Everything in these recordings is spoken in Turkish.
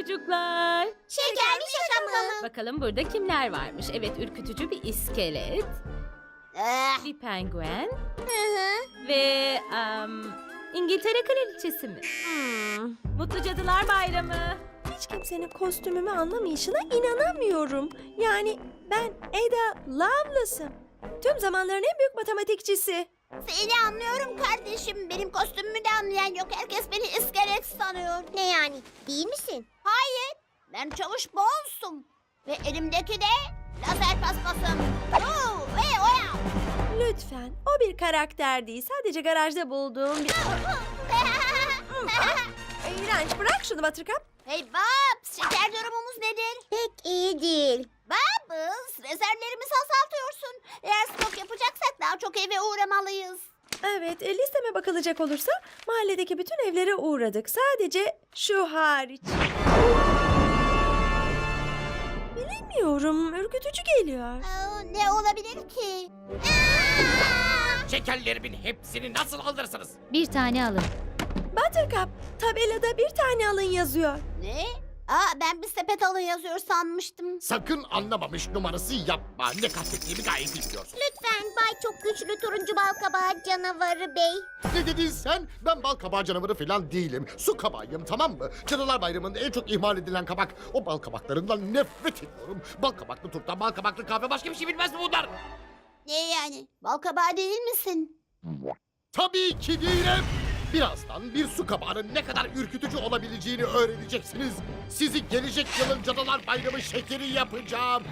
çocuklar. Şeker mi şaka mı? Bakalım burada kimler varmış? Evet, ürkütücü bir iskelet, Ah, bir penguen hı hı. ve İngiltere kraliçesi mi? Mutlu Cadılar Bayramı. Hiç kimsenin kostümümü anlamayışına inanamıyorum. Yani ben Ada Lovelace'ım. Tüm zamanların en büyük matematikçisi. Seni anlıyorum kardeşim. Benim kostümümü de anlayan yok. Herkes beni iskelet sanıyor. Ne yani? Değil misin? Hayır. Ben Çavuş Bones'um. Ve elimdeki de lazer paspasım. Oo, ve oya. Lütfen, o bir karakter değil. Sadece garajda bulduğum bir... İğrenç, bırak şunu Buttercup. Hey Babs, şeker durumumuz nedir? Pek iyi değil. Babs, rezervlerimizi azaltıyorsun. Eğer stok yapacaksak daha çok eve uğramalıyız. Evet, listeme bakılacak olursa mahalledeki bütün evlere uğradık. Sadece şu hariç. Bilemiyorum, ürkütücü geliyor. Ne olabilir ki? Şekerlerimin hepsini nasıl alırsınız? Bir tane alın. Buttercup, tabelada bir tane alın yazıyor. Ne? Ben bir sepet alın yazıyor sanmıştım. Sakın anlamamış numarası yapma. Ne kastettiğimi gayet biliyorsun. Lütfen Bay Çok Güçlü Turuncu Balkabağı Canavarı Bey. Ne dedin sen? Ben bal kabağı canavarı falan değilim. Su kabağıyım, tamam mı? Cadılar Bayramı'nda en çok ihmal edilen kabak. O bal kabaklarından nefret ediyorum. Bal kabaklı turta, bal kabaklı kahve, başka bir şey bilmez mi bunlar? Ne yani? Balkabağı değil misin? Tabii ki değilim. Birazdan bir su kabağının ne kadar ürkütücü olabileceğini öğreneceksiniz. Sizi gelecek yılın Cadılar Bayramı şekeri yapacağım.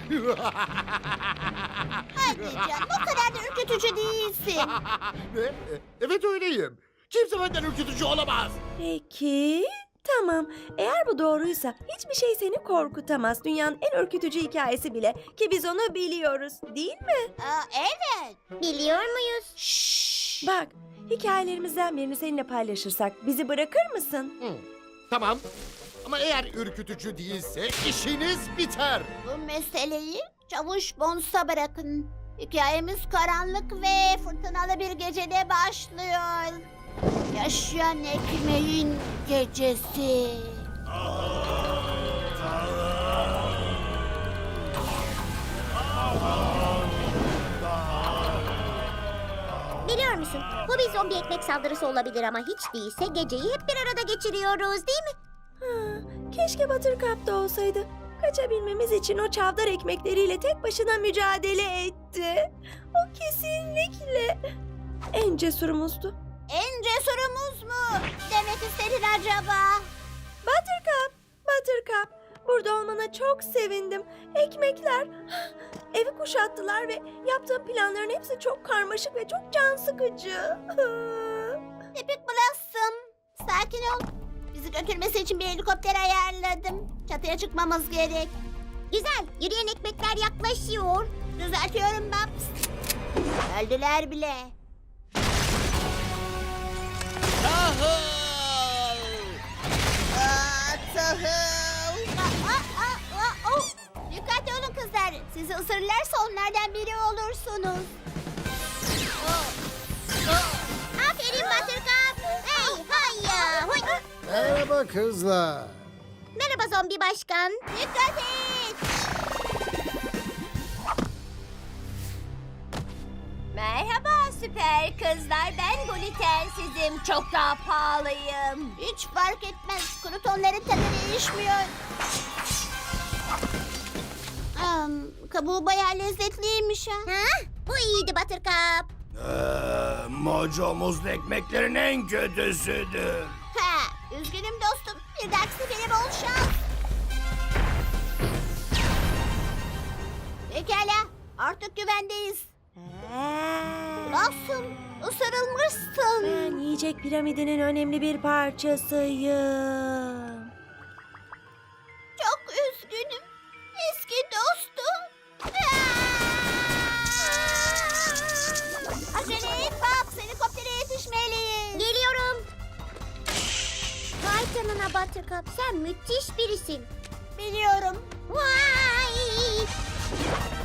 Hadi canım, o kadar da ürkütücü değilsin. Ne? Evet öyleyim. Kimse benden ürkütücü olamaz. Peki, tamam. Eğer bu doğruysa hiçbir şey seni korkutamaz. Dünyanın en ürkütücü hikayesi bile. Ki biz onu biliyoruz, değil mi? Evet. Biliyor muyuz? Bak, hikayelerimizden birini seninle paylaşırsak bizi bırakır mısın? Tamam. Ama eğer ürkütücü değilse işiniz biter. Bu meseleyi Çavuş Bones'a bırakın. Hikayemiz karanlık ve fırtınalı bir gecede başlıyor. Yaşayan ekmeğin gecesi. Biliyor musun? Bu bir zombi ekmek saldırısı olabilir ama hiç değilse geceyi hep bir arada geçiriyoruz, değil mi? Ha, keşke Buttercup da olsaydı. Kaçabilmemiz için o çavdar ekmekleriyle tek başına mücadele etti. O kesinlikle en cesurumuzdu. En cesurumuz mu? Demek istedin acaba? Buttercup, burada olmana çok sevindim. Ekmekler evi kuşattılar ve yaptığım planların hepsi çok karmaşık ve çok can sıkıcı. Tipik Blossom. Sakin ol. Bizi götürmesi için bir helikopter ayarladım. Çatıya çıkmamız gerek. Güzel. Yürüyen ekmekler yaklaşıyor. Düzeltiyorum Babs. Öldüler bile. Tahıl! Dikkatli olun kızlar. Sizi ısırırlarsa onlardan biri olursunuz. Aferin Buttercup. Hey hayya. Huy. Merhaba kızlar. Merhaba zombi başkan. Dikkat et. Merhaba süper kızlar. Ben glutensizim. Çok daha pahalıyım. Hiç fark etmez. Krutonların tadı değişmiyor. Kabuğu bayağı lezzetliymiş ha. Bu iyiydi Buttercup. Mojo muzlu ekmeklerin en kötüsüdür. Üzgünüm dostum. Bir dahaki sefere bol şans. Pekala. Artık güvendeyiz. Blossom, ısırılmışsın. Ben yiyecek piramidinin önemli bir parçasıyım. Çok üzgünüm. Eski dostum. Acele et Babs. Helikoptere yetişmeliyiz. Geliyorum. Vay canına Buttercup. Sen müthiş birisin. Biliyorum. Vay.